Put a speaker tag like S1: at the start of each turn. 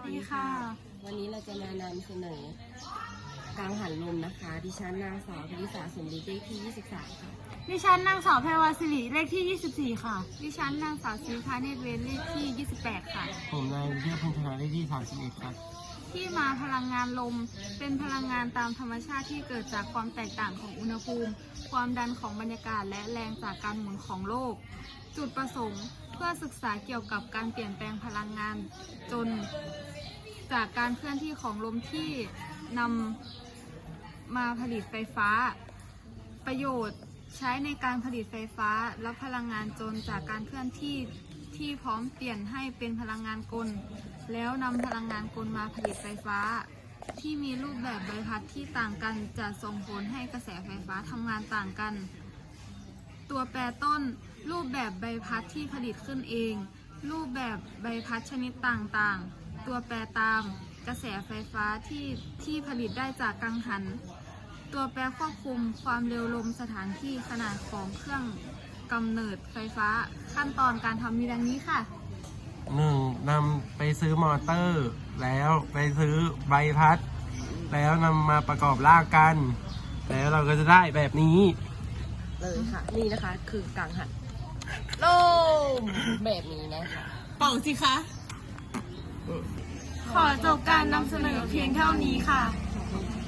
S1: ดีค่ะ
S2: วันนี้เราจะมานำเสนอกังหันลมนะคะดิฉันนางสาวพนิษาสมฤทธิ์เลขที่23ค่ะ
S1: ดิฉันนางสาวแพรวาสิริเลขที่24ค่ะดิฉันนางสาวศรีพาเนตรเวรเลขที่28ค่ะ
S3: ผมนายวิเทพพันธนาเลขที่31ครับ
S1: ที่มาพลังงานลมเป็นพลังงานตามธรรมชาติที่เกิดจากความแตกต่างของอุณหภูมิความดันของบรรยากาศและแรงจากการหมุนของโลกจุดประสงค์เพื่อศึกษาเกี่ยวกับการเปลี่ยนแปลงพลังงานจนจากการเคลื่อนที่ของลมที่นำมาผลิตไฟฟ้าประโยชน์ใช้ในการผลิตไฟฟ้าและพลังงานจนจากการเคลื่อนที่ที่พร้อมเปลี่ยนให้เป็นพลังงานกลแล้วนำพลังงานกลมาผลิตไฟฟ้าที่มีรูปแบบใบพัดที่ต่างกันจะส่งผลให้กระแสไฟฟ้าทำงานต่างกันตัวแปรต้นรูปแบบใบพัดที่ผลิตขึ้นเองรูปแบบใบพัดชนิดต่างๆตัวแปรตามกระแสไฟฟ้าที่ผลิตได้จากกังหันตัวแปรควบคุมความเร็วลมสถานที่ขนาดของเครื่องกำเนิดไฟฟ้าขั้นตอนการทำมีดังนี้ค่ะ
S3: 1. นำไปซื้อมอเตอร์แล้วไปซื้อใบพัดแล้วนำมาประกอบลากกันแล้วเราก็จะได้แบบนี้
S2: เลยค่ะนี่นะคะคือกังหันลมแบบนี้นะคะ
S1: เป่าสิคะ ขอจบการนำเสนอเพียงเท่านี้ค่ะ